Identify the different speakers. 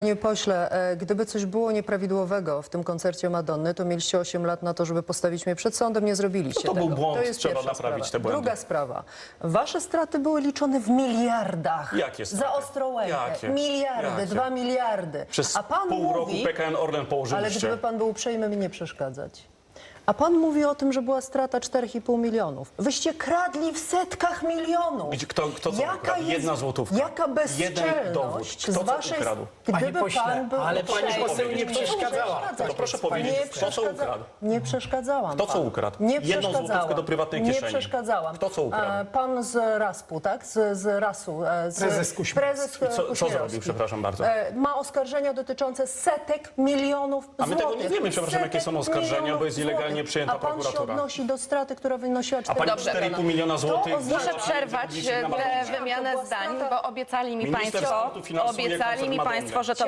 Speaker 1: Panie pośle, gdyby coś było nieprawidłowego w tym koncercie Madonny, to mieliście 8 lat na to, żeby postawić mnie przed sądem, nie zrobiliście
Speaker 2: To
Speaker 1: tego.
Speaker 2: był błąd,
Speaker 1: To jest
Speaker 2: trzeba
Speaker 1: pierwsza
Speaker 2: naprawić
Speaker 1: sprawa.
Speaker 2: te błędy.
Speaker 1: Druga sprawa. Wasze straty były liczone w miliardach.
Speaker 2: Jakie straty?
Speaker 1: Za Ostrołękę.
Speaker 2: Jakie?
Speaker 1: Miliardy,
Speaker 2: Jakie?
Speaker 1: 2 miliardy.
Speaker 2: Przez
Speaker 1: A pan
Speaker 2: pół
Speaker 1: mówi,
Speaker 2: roku PKN Orlen
Speaker 1: ale
Speaker 2: położyliście.
Speaker 1: gdyby pan był uprzejmy mi nie przeszkadzać. A pan mówi o tym, że była strata 4,5 milionów. Wyście kradli w setkach milionów.
Speaker 2: Kto co ukradł? Jedna złotówka.
Speaker 1: Jaka
Speaker 2: Jeden dowód.
Speaker 1: bezczelność
Speaker 2: Kto
Speaker 1: z
Speaker 2: co
Speaker 1: waszej...
Speaker 2: ukradł?
Speaker 3: Panie
Speaker 1: Gdyby
Speaker 3: pośle,
Speaker 1: pan był
Speaker 3: ale pani
Speaker 1: uprzejmy,
Speaker 3: poseł nie przeszkadzała.
Speaker 2: To proszę powiedzieć, kto co ukradł?
Speaker 1: Nie przeszkadzałam.
Speaker 2: Kto co
Speaker 1: panu.
Speaker 2: ukradł?
Speaker 1: Nie
Speaker 2: Jedną
Speaker 1: przeszkadzałam.
Speaker 2: złotówkę do prywatnej kieszeni.
Speaker 1: Nie przeszkadzałam.
Speaker 2: Kto co ukradł?
Speaker 1: Pan z Raspu, tak? Z Rasu.
Speaker 3: Prezes Kuśmierowski.
Speaker 1: Prezes
Speaker 2: Co
Speaker 1: Kuśmierowski.
Speaker 2: zrobił, przepraszam bardzo?
Speaker 1: Ma oskarżenia dotyczące setek milionów
Speaker 2: A my tego
Speaker 1: złotych.
Speaker 2: nie wiemy, przepraszam, jakie są
Speaker 1: Setek
Speaker 2: oskarżenia,
Speaker 1: milionów
Speaker 2: bo jest nielegalnie
Speaker 1: złotych.
Speaker 2: przyjęta
Speaker 1: A pan się
Speaker 2: prokuratura.
Speaker 1: odnosi do straty, która wynosiła 4
Speaker 2: A pani 4,5 miliona złotych...
Speaker 4: Muszę przerwać tę wymianę zdań, bo obiecali mi
Speaker 2: Minister
Speaker 4: państwo,
Speaker 2: sportu finansuje koncert Madonny.
Speaker 4: że to